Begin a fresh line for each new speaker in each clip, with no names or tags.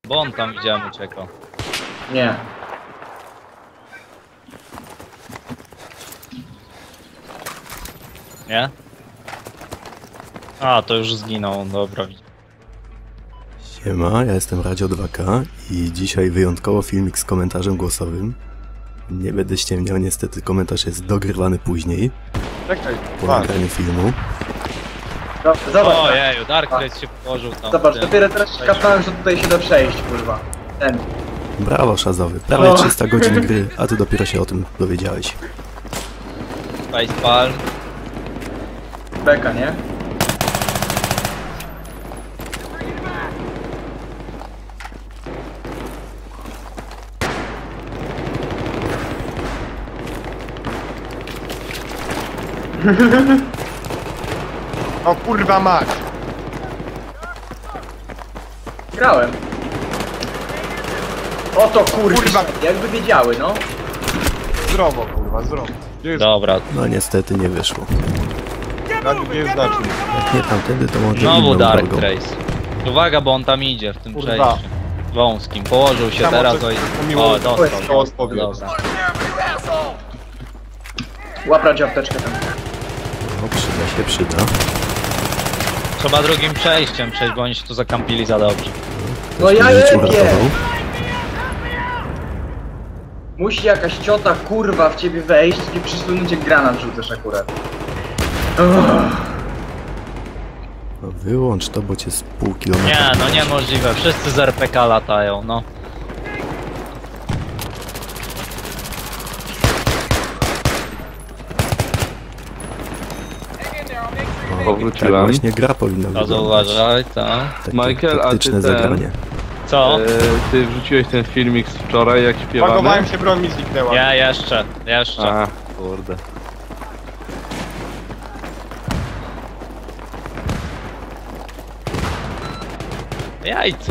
Bo on tam widziałem uciekał.
Nie.
Nie? A, to już zginął, dobra.
Siema, ja jestem Radio 2K i dzisiaj wyjątkowo filmik z komentarzem głosowym. Nie będę ściemniał, niestety komentarz jest dogrywany później.
Czekaj,
Po nagraniu filmu.
No, zobacz.
Ojeju, Darkness się położył tam.
Zobacz,
w tym.
dopiero teraz kapnąłem, że tutaj się da przejść, kurwa. Ten.
Brawo, Szazowy. Prawie 300 godzin gry, a ty dopiero się o tym dowiedziałeś.
Facepalm.
Beka, nie?
o kurwa mać!
Grałem. Oto kurwa.
Kurwa.
Jakby wiedziały, no.
Zdrowo kurwa, zdrowo. Gdzie jest,
Dobra,
No niestety nie wyszło.
gdzie jest znacznik?
Jak nie tamtędy, to może
znowu
inną
Dark
drogą.
Trace. Uwaga, bo on tam idzie w tym
Kurwa.
przejściu. Wąskim. Położył się
Tam
teraz
o coś
o...
pomiło-
O, dostał.
to odpowiedź.
Dobra.
Łaprać apteczkę tam.
No, przyda.
Trzeba drugim przejściem przejść, bo oni się tu zakampili za dobrze.
No ja
Życie
lepiej!
uratował.
Musi jakaś ciota kurwa w ciebie wejść i przysunąć jak granat rzucasz akurat. Uff.
No, wyłącz to, bo cię z pół kilometra.
Nie, no niemożliwe. Wszyscy z RPK latają, no.
Tak właśnie gra powinna
To
wyglądać.
zauważaj, tak.
Takie
Michael, a ty
taktyczne
ten-
zagranie.
Co?
Ty wrzuciłeś ten filmik z wczoraj, jak śpiewamy?
Pakowałem się, broń mi zniknęła.
Nie, jeszcze.
A, kurde.
Jajco.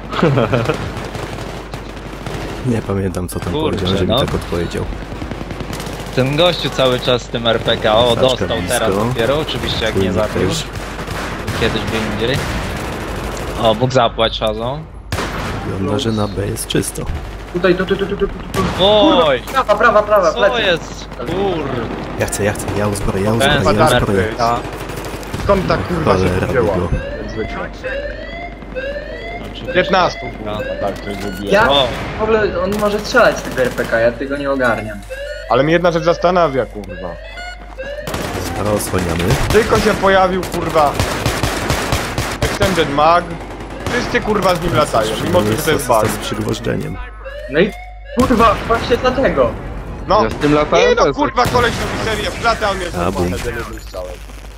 Nie pamiętam, co tam
Kurczę,
powiedział, że mi
no.
tak odpowiedział.
Ten gościu cały czas z tym RPK. O,
Saczka
dostał
blisko.
teraz dopiero, oczywiście jak nie
Płynnik
zabił.
też.
Kiedyś by indziej. O, Bóg zapłać Shazą.
Wygląda, że na B jest czysto.
Tutaj, tu.
Oj!
Prawa,
Co
plecy.
jest? Kurde.
Ja uzbroję, ja
Ten
uzbroję.
RPK.
Skąd ta kurwa się
Cholera
wzięła?
go.
Jak zwykle.
Oczywiście.
15
No.
kurwa, tak to zrobiłem.
Ja?
O,
W ogóle on może strzelać z tego RPK, ja tego nie ogarniam.
Ale mnie jedna rzecz zastanawia kurwa.
Zaraz osłaniamy.
Tylko się pojawił kurwa Extended Mag. Wszyscy kurwa z nim latają, mimo że to jest bug.
z przygwożdżeniem.
No i kurwa, właśnie dlatego.
No,
Ja z tym latałem
nie no
też.
kurwa koleś robi serię w klatę, a on mnie
A, bum.
złapał jednym strzałem.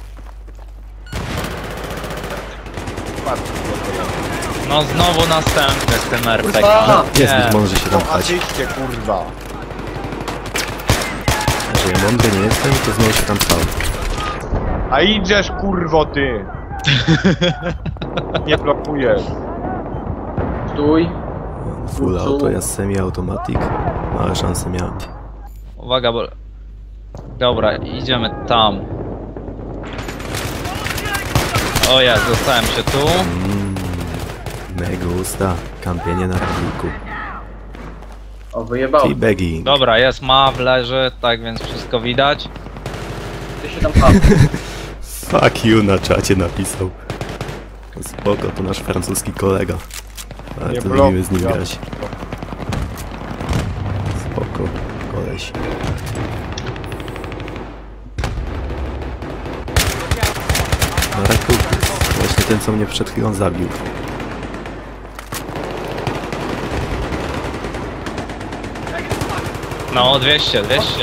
no znowu następny z tym RPK.
Kurwa.
Jest,
Nie.
być może się tam
No
pchać.
asyście kurwa.
Że ja mądry nie jestem, to znowu się tam pchał.
A idziesz kurwo ty. Nie blokujesz.
Stój.
Full auto, ja semi-automatic. Małe szanse miałem.
Uwaga, bo... Dobra, idziemy tam. O ja, zostałem się tu.
Mega usta. Kampienie na radiku.
O, wyjebał.
Teabagging.
Dobra, jest Maw, leży, tak więc wszystko widać.
Ty się tam padł.
Fuck you na czacie napisał. Spoko, to nasz francuski kolega. Ale
Nie
to
blokuj,
lubimy z nim
ja.
grać. Spoko, koleś. Na rakuku. Właśnie ten, co mnie przed chwilą zabił.
No, 200.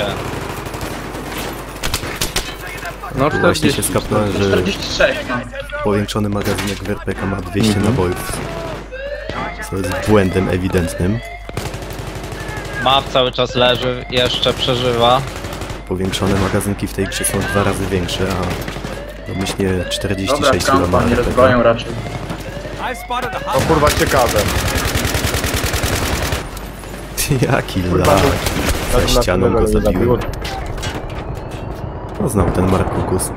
No
Tu właśnie się
40.
skapnąłem, że
46, no.
powiększony magazynek w RPK ma 200 nabojów. Co jest błędem ewidentnym.
Maw cały czas leży, jeszcze przeżywa.
Powiększone magazynki w tej grze są 2 razy większe, a domyślnie
Dobra,
46 kg ma
kampa, nie
RPK.
rozbroją raczej.
To kurwa ciekawe.
Jaki
Kurwa,
lag.
to-
Za ścianą go zabiłem. Poznał ten Markukus.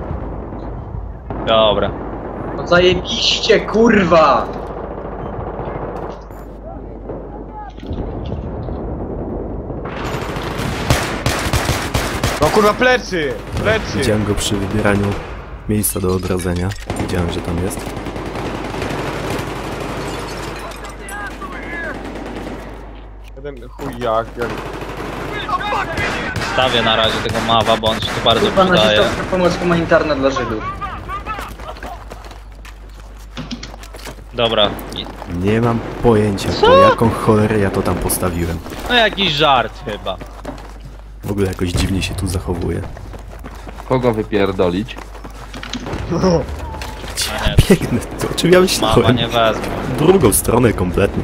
Dobra.
No zajebiście, kurwa!
No kurwa, plecy! Plecy!
Widziałem go przy wybieraniu miejsca do odradzenia. Widziałem, że tam jest.
Jeden chuj jak...
Stawię na razie tego mawa, bo on się tu bardzo
Kurwa,
przydaje.
nazistowska pomoc humanitarna dla Żydów.
Dobra.
Nie mam pojęcia, po jaką cholerę ja to tam postawiłem.
No jakiś żart chyba.
W ogóle jakoś dziwnie się tu zachowuje.
Kogo wypierdolić?
A nie,
Biegnę, to o czym ja
mama
myślałem?
nie wezmę.
W drugą stronę kompletnie.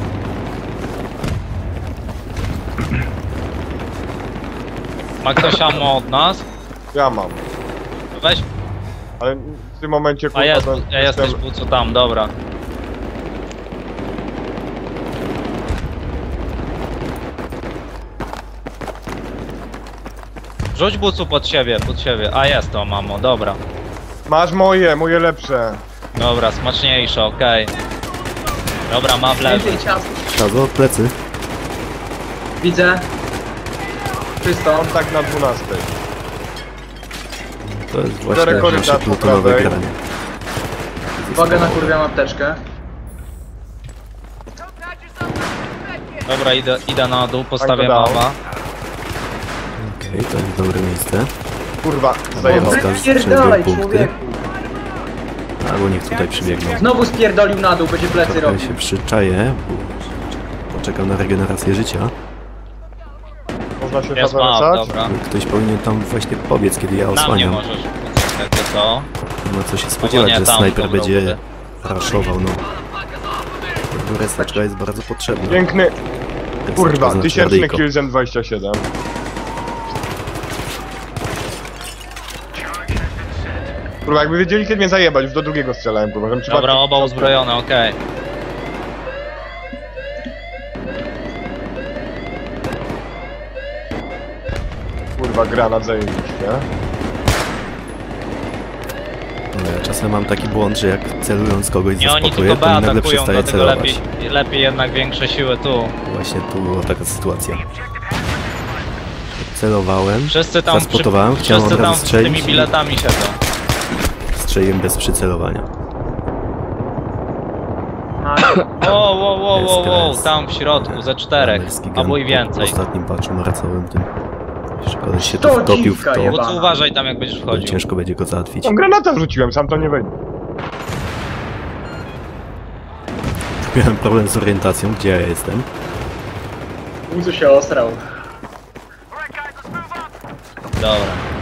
Ma ktoś ammo od nas?
Ja mam.
Weź,
Ale w tym momencie
a
kurwa...
jest,
to
jesteś co tam, dobra. Rzuć bucu pod siebie, A jest to, mamo, dobra.
Masz moje lepsze.
Dobra, smaczniejsze, okej. Dobra, ma w lewo.
Więcej ciast.
Szazo, plecy.
Widzę. Czysto.
On tak na 12.
To jest
Cztery
właśnie
korytarze
nasze
po
plutonowe
prawej.
granie.
Uwaga, nakurwiam apteczkę.
Dobra, idę na dół, postawię
Tak, dodał.
mama.
Okej, to jest dobre miejsce.
Kurwa, zajebał.
Dobra.
Spierdalaj,
punkty.
człowieku.
Albo niech tutaj przybiegną.
Znowu spierdolił na dół, będzie plecy
Trochę
robił.
się przyczaję, bo poczekam na regenerację życia.
Można się
Jest map,
zawracać?
dobra.
Ktoś powinien tam właśnie pobiec, kiedy ja
Na mnie
osłaniam.
możesz, jakby co?
Nie ma co się spodziewać,
nie,
że
tam,
snajper
dobra,
będzie
dobra.
raszował, no. Tego restaczka jest bardzo potrzebna.
Piękny,
Restaczka
kurwa,
znaczy
1000
radyjko.
Killzen 27. Kurwa, jakby wiedzieli kiedy mnie zajebać, już do drugiego strzelałem, kurwa, żebym
Dobra,
przypadkiem-
oba uzbrojone, okej.
Kurwa, granat zajebiście.
No, ja czasem mam taki błąd, że jak celując kogoś
Nie, oni
zaspokoję,
tylko
to
B
mi nagle
atakują,
przestaje
dlatego
celować.
lepiej jednak większe siły tu.
Właśnie tu była taka sytuacja. Celowałem,
Wszyscy tam,
zaspotowałem, chciałem od
wszyscy tam
razu
z tymi
strzelić i
biletami siedzą.
strzeliłem bez przycelowania.
Wow,
SKS.
tam w środku, ze 4,
Amerykański
albo i
gun
więcej.
W ostatnim patchu marcowym tym. Jeszcze koleś się tu
To
wtopił w
dziwka
to,
jeba.
Bo uważaj tam jak będziesz
to
wchodził.
ciężko będzie go załatwić.
Tam granata wrzuciłem, sam to nie wejdzie.
Miałem problem z orientacją, gdzie ja jestem.
Uzu się ostrał.
Dobra.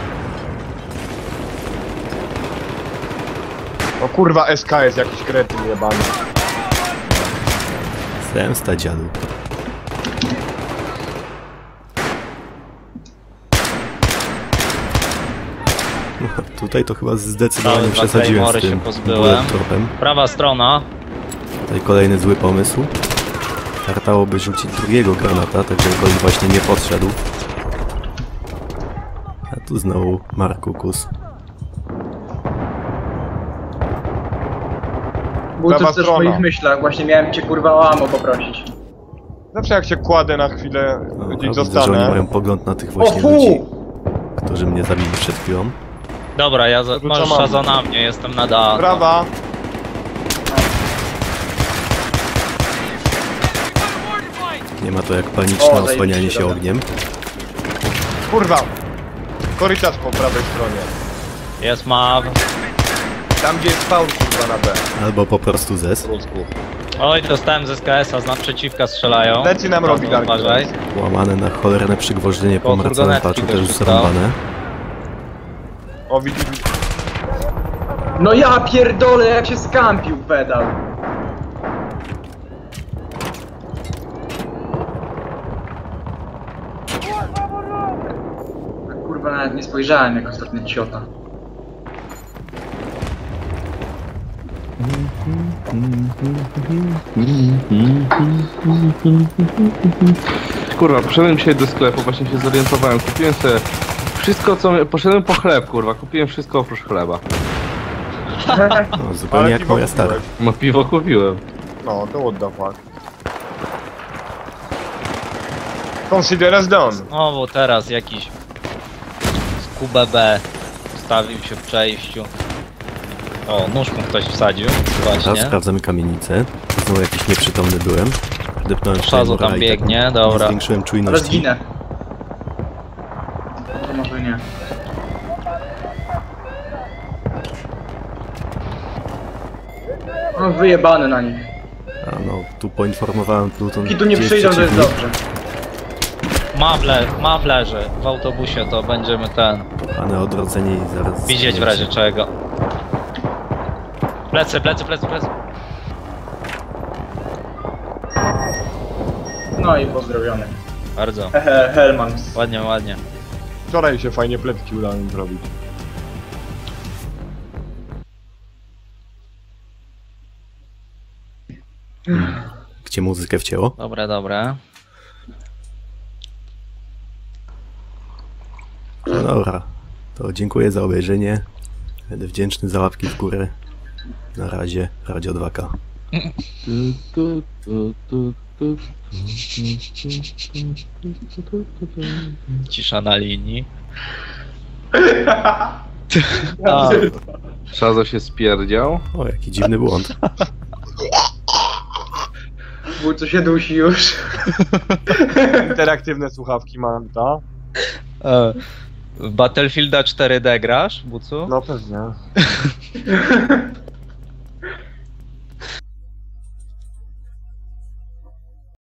O kurwa, SKS, jakiś kretyn jebany.
Zemsta dziadu. Tutaj to chyba zdecydowanie
Całe dwa
przesadziłem z
Claymore'y się
tym
pozbyłem.
bullet tropem.
Prawa strona.
Tutaj kolejny zły pomysł. Wartałoby rzucić drugiego granata, tak żeby gość właśnie nie podszedł. A tu znowu Markukus.
Był
Prawa
to też w
strona.
moich myślach, właśnie miałem cię kurwa o ammo poprosić.
Zawsze jak się kładę na chwilę,
No,
gdzieś
widzę, że oni
zostanę.
mają pogląd na tych
O
właśnie ludzi,
fu!
którzy mnie zabili przed chwilą.
Dobra,
Rzucam
możesz
ammo.
Shazo na mnie, jestem na dachu.
Prawa.
Nie ma to jak paniczne
O,
osłanianie
zajebiście,
się
dobra.
ogniem.
Kurwa. Korytarz po prawej stronie.
Jest maw.
Tam gdzie jest spawn, kurwa, na B.
Albo po prostu zes.
Oj, dostałem z SKS-a, z naprzeciwka strzelają.
Plecy nam robi
Dobra,
Dark
uważaj.
Łamane na cholerne przygwożdżenie po
Koło
marcowym
furgonetki
patchu
też
też już
został.
zrąbane.
O, widzisz.
No ja pierdolę, jak się skampił pedał. Kurwa, nawet nie spojrzałem jak ostatnia ciota.
Kurwa, poszedłem dzisiaj do sklepu, właśnie się zorientowałem, kupiłem sobie wszystko co... Poszedłem po chleb, kurwa, kupiłem wszystko oprócz chleba.
No, zupełnie jak
piwo
moja stara.
kupiłeś.
No piwo kupiłem.
No, to what the fuck. Consider as done.
O, bo teraz jakiś QBB. Ustawił się w przejściu. O, nóż mu ktoś wsadził.
Teraz
Właśnie.
sprawdzamy kamienicę. Znowu jakiś nieprzytomny byłem. Depnąłem
Szazo tam
Claymora i
biegnie,
tak
dobra.
Nie zwiększyłem
Ale
czujności.
zginę. To może nie. No wyjebany na nich.
A no, tu poinformowałem Pluton.
I tu nie
gdzie
przyjdą, to jest
przeciwnik.
dobrze.
Ma w leży. W autobusie to będziemy
Kochane odrodzenie i zaraz...
widzieć w razie czego. Plecy.
No i pozdrowiony.
Bardzo.
Hehe, Hellmans.
Ładnie.
Wczoraj się fajnie pletki udało im zrobić.
Gdzie muzykę wcięło?
Dobra.
No dobra. To dziękuję za obejrzenie. Będę wdzięczny za łapki w górę. Na razie, Radio 2K.
Cisza na linii.
Szazo się spierdział.
O, jaki dziwny błąd.
Bo co się dusi już.
Interaktywne słuchawki mam, ta?
W Battlefielda 4D grasz, Bucu?
No pewnie.